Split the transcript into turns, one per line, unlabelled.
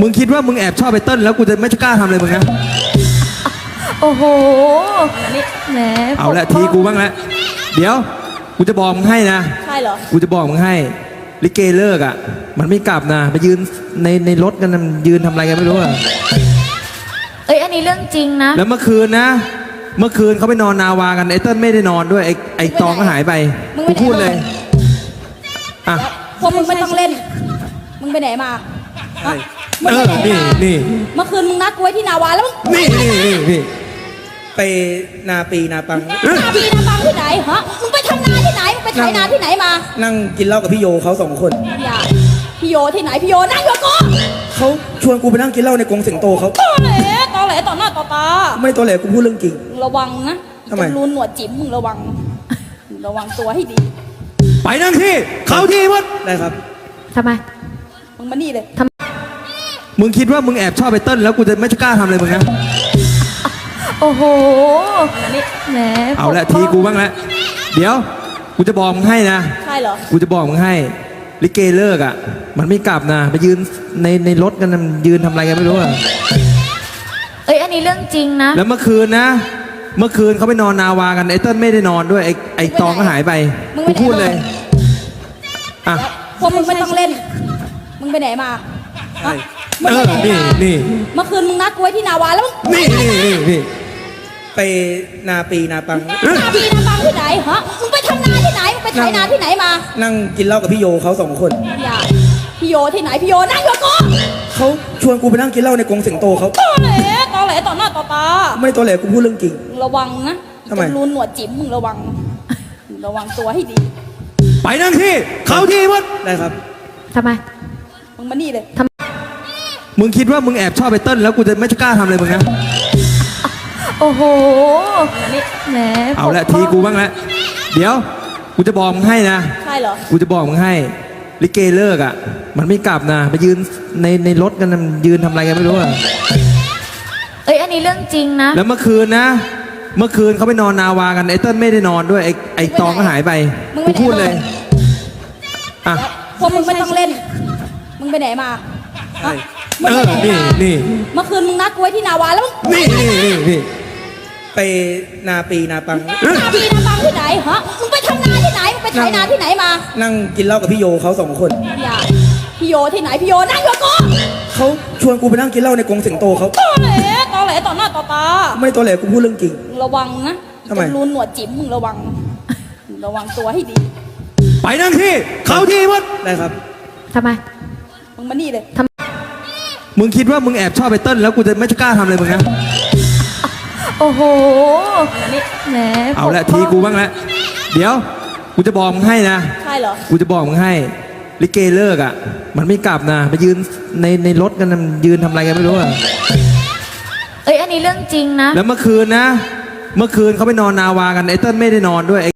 มึงคิดว่ามึงแอบชอบไปเติ้ลแล้วกูจะไม่กล้าทำอะไรมึงนะ
โอ้โหแหม
เอาละทีกูบ้างแล้วเดี๋ยวกูจะบอกมึงให้นะ
ใช่เหรอ
กูจะบอกมึงให้ลิเกเลิกอ่ะมันไม่กลับนะไปยืนในรถกันนะยืนทำอะไรกันไม่รู้อ่ะ
อันนี้เรื่องจริงนะ
แล้วเมื่อคืนนะเมื่อคืนเขาไปนอนนาวากันไอ้เติ้ลไม่ได้นอนด้วยไอ้ตองก็หายไปกูพูดเลยอ่ะ
พวกมึงไม่ต้องเล่นมึงไปไหนมา
นี่
เมื่อคืนมึงนัดกูไว้ที่นาวาแล้ว
นี่ไปนาปีนาปัง
นาปีนาปังที่ไหนฮะมึงไปทำนาที่ไหนมึงไปไถนาที่ไหนมา
นั่งกินเหล้ากับพี่โยเขา2 คน
อย่าพี่โยที่ไหนพี่โยนั่งอยู่กู
เขาชวนกูไปนั่งกินเหล้าในกรงสิงโตเขา
ตอแหลต่อหน้าต่อตา
ไม่ตอแหลกูพูดเรื่องจริง
ระวังนะ
ทำไม
รูนหนวดจิ๋มมึงระวังตัวให้ดี
ไปนั่งที่เขาที่วัดได้ครับ
ทำไมมึงมานี่เลย
มึงคิดว่ามึงแอบชอบไปเติ้ลแล้วกูจะไม่กล้าทำอะไรมึงนะ
โอ้โหแหม
เอาละทีกูบ้างแล้วเดี๋ยวกูจะบอกมึงให้นะ
ใช่เหรอ
กูจะบอกมึงให้ลิเกเลิกอ่ะมันไม่กลับนะไปยืนในรถกันนะยืนทำอะไรกันไม่รู้อ่ะ
อันนี้เรื่องจริงนะ
แล้วเมื่อคืนนะเมื่อคืนเขาไปนอนนาวากันไอ้เติ้ลไม่ได้นอนด้วยไอ้ตองก็หายไปกูพูดเลยอ่ะ
พวกมึงไม่ต้องเล่นมึงไปไหนมา
นี่
เมื่อคืนมึงนัดกูไว้ที่นาวาแล้ว
นี่ไปนาปีนาปัง
นาปีนาปังที่ไหนฮะมึงไปทำนาที่ไหนมึงไปไถนาที่ไหนมา
นั่งกินเหล้ากับพี่โยเขา2 คน
อย่าพี่โยที่ไหนพี่โยนั่งอยู่กู
เขาชวนกูไปนั่งกินเหล้าในกรงสิงโตเขา
ตอแหลต่อหน้าต่อตา
ไม่ตอแหลกูพูดเรื่องจริง
ระวังนะ
ทำไม
รูนหนวดจิ๋มมึงระวังตัวให้ดี
ไปนั่งที่เขาที่วัดได้ครับ
ทำไมมึงมานี่เลย
มึงคิดว่ามึงแอบชอบไปเติ้ลแล้วกูจะไม่กล้าทำอะไรมึงนะ
โอ้โหแหม
เอาละทีกูบ้างแล้วเดี๋ยวกูจะบอกมึงให้นะ
ใช่เหรอ
กูจะบอกมึงให้ลิเกเลิกอ่ะมันไม่กลับนะไปยืนในรถกันนะยืนทำอะไรกันไม่รู้อ่ะ
อันนี้เรื่องจริงนะ
แล้วเมื่อคืนนะเมื่อคืนเขาไปนอนนาวากันไอ้เติ้ลไม่ได้นอนด้วยไอ้ตองก็หายไปกูพูดเลยอ่ะ
พวกมึงไม่ต้องเล่นมึงไปไหนมา
นี่
เมื่อคืนมึงนัดกูไว้ที่นาวาแล้ว
นี่ไปนาปีนาปัง
นาปีนาปังที่ไหนฮะมึงไปทำนาที่ไหนมึงไปไถนาที่ไหนมา
นั่งกินเหล้ากับพี่โยเขา2 คน
อย่าพี่โยที่ไหนพี่โยนั่งอยู่กู
เขาชวนกูไปนั่งกินเหล้าในกรงสิงโตเขา
ตอแหลต่อหน้าต่อตา
ไม่ตอแหลกูพูดเรื่องจริง
ระวังนะ
ทำไม
รูนหนวดจิ๋มมึงระวังตัวให้ดี
ไปนั่งที่เขาที่วัดได้ครับ
ทำไมมึงมานี่เลย
มึงคิดว่ามึงแอบชอบไปเติ้ลแล้วกูจะไม่กล้าทำอะไรมึงนะ
โอ้โหแหม
เอาละทีกูบ้างแล้วเดี๋ยวกูจะบอกมึงให้นะ
ใช่เหรอ
กูจะบอกมึงให้ลิเกเลิกอ่ะมันไม่กลับนะไปยืนในรถกันนะยืนทำอะไรกันไม่รู้อ่ะ
อันนี้เรื่องจริงนะ
แล้วเมื่อคืนนะเมื่อคืนเขาไปนอนนาวากันไอ้เติ้ลไม่ได้นอนด้วย